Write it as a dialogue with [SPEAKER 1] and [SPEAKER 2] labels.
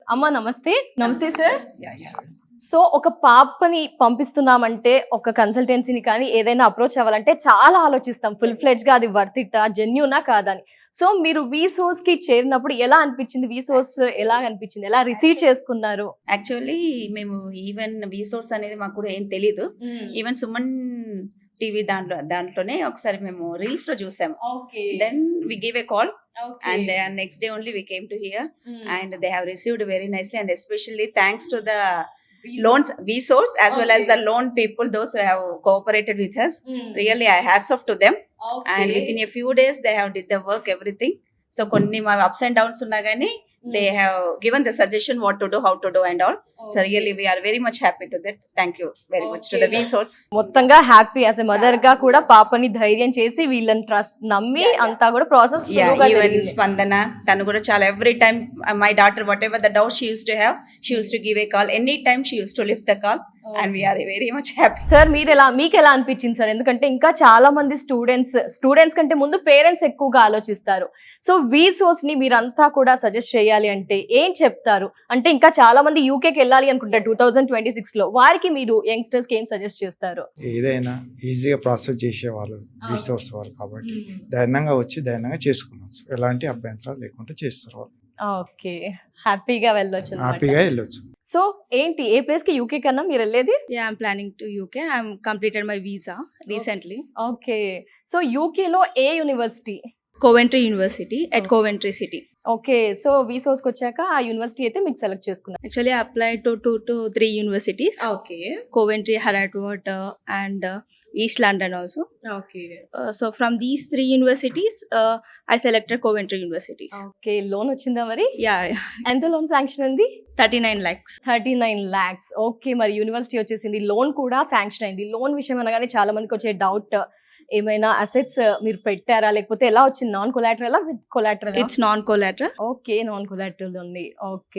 [SPEAKER 1] అమ్మ నమస్తే. నమస్తే సార్.
[SPEAKER 2] Yeah.
[SPEAKER 1] సో ఒక పాపని పంపిస్తున్నామంటే ఒక కన్సల్టెన్సీని కానీ ఏదైనా అప్రోచ్ అవ్వాలంటే చాలా ఆలోచిస్తాం ఫుల్ ఫ్లెడ్జ్ గా అది వర్త్ ఇట్టా జెన్యూనా కాదని. సో మీరు వీసోర్స్ కి చేరినప్పుడు ఎలా అనిపించింది? వీసోర్స్ ఎలా అనిపించింది? ఎలా రిసీవ్ చేసుకున్నారు?
[SPEAKER 2] యాక్చువల్లీ మేము ఈవెన్ వీసోర్స్ అనేది మాకు కూడా ఏం తెలీదు. ఈవెన్ సుమన్ టీవీ దాంట్లోనే ఒకసారి మేము రీల్స్ లో చూసాము. Then we give a call and next day only we came to here and they have received very nicely and especially thanks to the loans VSource as well as the loan people, those who have cooperated with us. Really I hats off to them. And within a few days they have did the work everything. So konni ma ups and downs unna gani they have given the suggestion what to do, how to do and all. So really we are very much happy to that. Thank you very much to the VSource.
[SPEAKER 1] మొత్తంగా happy as a mother గా కూడా పాపని ధైర్యం చేసి వీళ్ళని trust నమ్మి అంతా కూడా process
[SPEAKER 2] even Spandana tanu kuda chala every time my daughter whatever the doubt she used to have, she used to give a call anytime, she used to lift the call. And we are very much happy.
[SPEAKER 1] Sir మీకు ఎలా అనిపించింది sir? ఎందుకంటే ఇంకా చాలా మంది students కంటే ముందు parents ఎక్కువగా ఆలోచిస్తారు. సో వీసోర్స్ ని మీరంతా కూడా సజెస్ట్ చేయాలి అంటే ఏం చెప్తారు? అంటే ఇంకా చాలా మంది యూకేకి వెళ్ళాలి అనుకుంటారు 2026 లో, వారికి మీరు యంగ్స్టర్స్ కి ఏం సజెస్ట్ చేస్తారు?
[SPEAKER 3] ఏదైనా ఈజీగా ప్రాసెస్ చేసేవాళ్ళు వీసోర్స్ వాళ్ళు కాబట్టి ధైర్యంగా వచ్చి ధైర్యంగా చేసుకున్నారు. ఎలాంటి అభ్యంతరాలు లేకుండా చేస్తారు వాళ్ళు.
[SPEAKER 1] ఓకే, హ్యాపీగా వెళ్ళొచ్చు. సో ఏంటి ఏ ప్లేస్ కి యూకే కన్నా మీరు వెళ్ళేది?
[SPEAKER 4] Yeah, I'm planning to UK. I'm completed my visa recently.
[SPEAKER 1] Okay, so UK లో ఏ university?
[SPEAKER 4] Coventry University at Coventry City.
[SPEAKER 1] Okay, so VSource కి వచ్చాక ఆ యూనివర్సిటీ అయితే మీకు సెలెక్ట్ చేసుకున్నారు.
[SPEAKER 4] Actually, I applied to 2 to 3 universities.
[SPEAKER 1] Okay
[SPEAKER 4] Coventry, Harrogate, and East London also.
[SPEAKER 1] Okay
[SPEAKER 4] So from these 3 universities, I selected Coventry Universities.
[SPEAKER 1] Okay, loan వచ్చిందా మరి?
[SPEAKER 4] Yeah,
[SPEAKER 1] ఎంత loan sanction ఉంది?
[SPEAKER 4] 39 lakhs.
[SPEAKER 1] 39 lakhs. ఓకే, మరి university వచ్చేసింది, loan కూడా sanction అయింది. Loan విషయం అనగానే చాలా మందికి వచ్చే డౌట్, ఏమైనా అసెట్స్ మీరు పెట్టారా లేకపోతే ఎలా వచ్చింది? Non collateral with collateral?
[SPEAKER 4] It's non-collateral.
[SPEAKER 1] Okay, non collateral ఉంది. ఓకే.